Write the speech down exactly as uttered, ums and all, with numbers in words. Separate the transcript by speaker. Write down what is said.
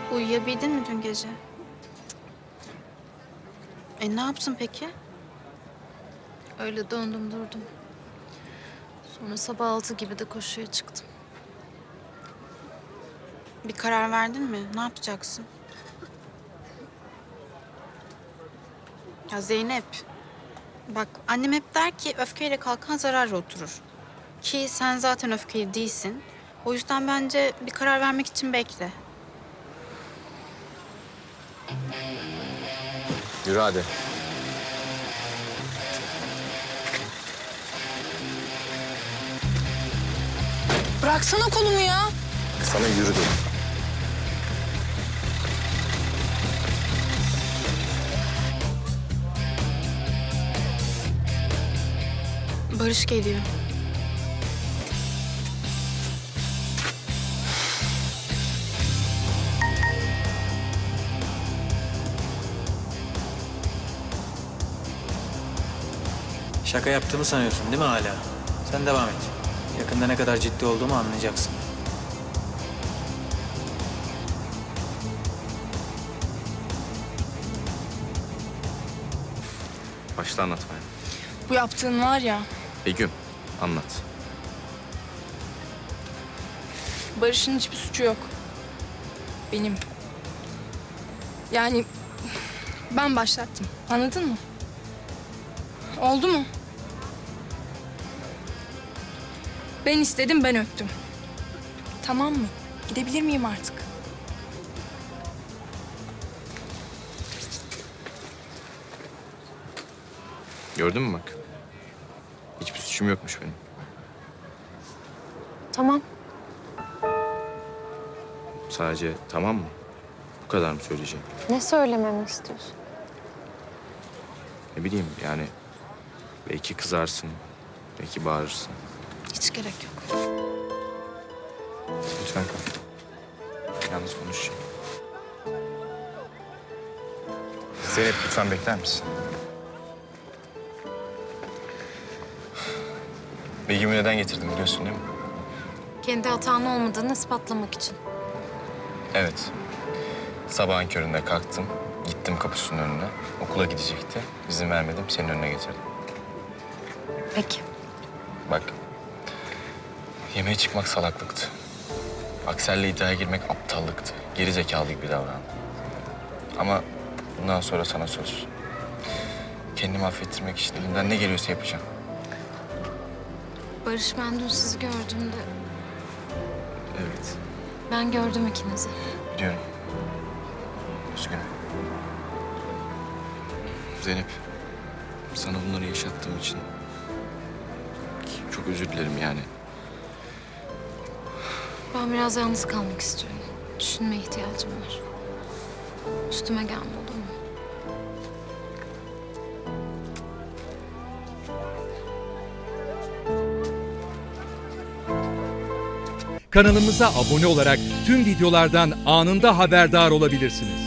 Speaker 1: Uyuyabildin mi dün gece? E ne yaptın peki?
Speaker 2: Öyle döndüm durdum. Sonra sabah altı gibi de koşuya çıktım.
Speaker 1: Bir karar verdin mi? Ne yapacaksın? Ya Zeynep, bak annem hep der ki öfkeyle kalkan zararla oturur. Ki sen zaten öfkeli değilsin. O yüzden bence bir karar vermek için bekle.
Speaker 3: Yürü hadi.
Speaker 4: Bıraksana kolumu ya.
Speaker 3: Sana yürü dedim.
Speaker 1: Barış geliyor.
Speaker 5: Şaka yaptığımı sanıyorsun değil mi hala? Sen devam et. Yakında ne kadar ciddi olduğumu anlayacaksın.
Speaker 3: Başla anlatmaya.
Speaker 4: Bu yaptığın var ya,
Speaker 3: Begüm, anlat.
Speaker 4: Barış'ın hiçbir suçu yok. Benim. Yani ben başlattım. Anladın mı? Oldu mu? Ben istedim, ben öptüm. Tamam mı? Gidebilir miyim artık?
Speaker 3: Gördün mü bak? Hiçbir suçum yokmuş benim.
Speaker 2: Tamam.
Speaker 3: Sadece tamam mı? Bu kadar mı söyleyeceğim?
Speaker 2: Ne söylememi istiyorsun?
Speaker 3: Ne bileyim yani belki kızarsın, belki bağırırsın.
Speaker 2: Hiç gerek yok.
Speaker 3: Lütfen kal. Yalnız konuşacağım. Zeynep lütfen bekler misin? Begüm'ü neden getirdim biliyorsun değil mi?
Speaker 2: Kendi hatan olmadığını ispatlamak için.
Speaker 3: Evet. Sabahın köründe kalktım. Gittim kapısının önüne. Okula gidecekti. İzin vermedim. Senin önüne getirdim.
Speaker 2: Peki.
Speaker 3: Bak. Yemeğe çıkmak salaklıktı. Aksel'le iddiaya girmek aptallıktı. Geri zekalı gibi davrandım. Ama bundan sonra sana söz. Kendimi affettirmek için elimden ne geliyorsa yapacağım.
Speaker 2: Barış, ben dün sizi gördüğümde
Speaker 3: Evet.
Speaker 2: ben gördüm ikinizi.
Speaker 3: Biliyorum. Üzgünüm. Zeynep, sana bunları yaşattığım için çok özür dilerim yani.
Speaker 2: Ben biraz yalnız kalmak istiyorum. Düşünmeye ihtiyacım var. Üstüme gelme, olur mu?
Speaker 6: Kanalımıza abone olarak tüm videolardan anında haberdar olabilirsiniz.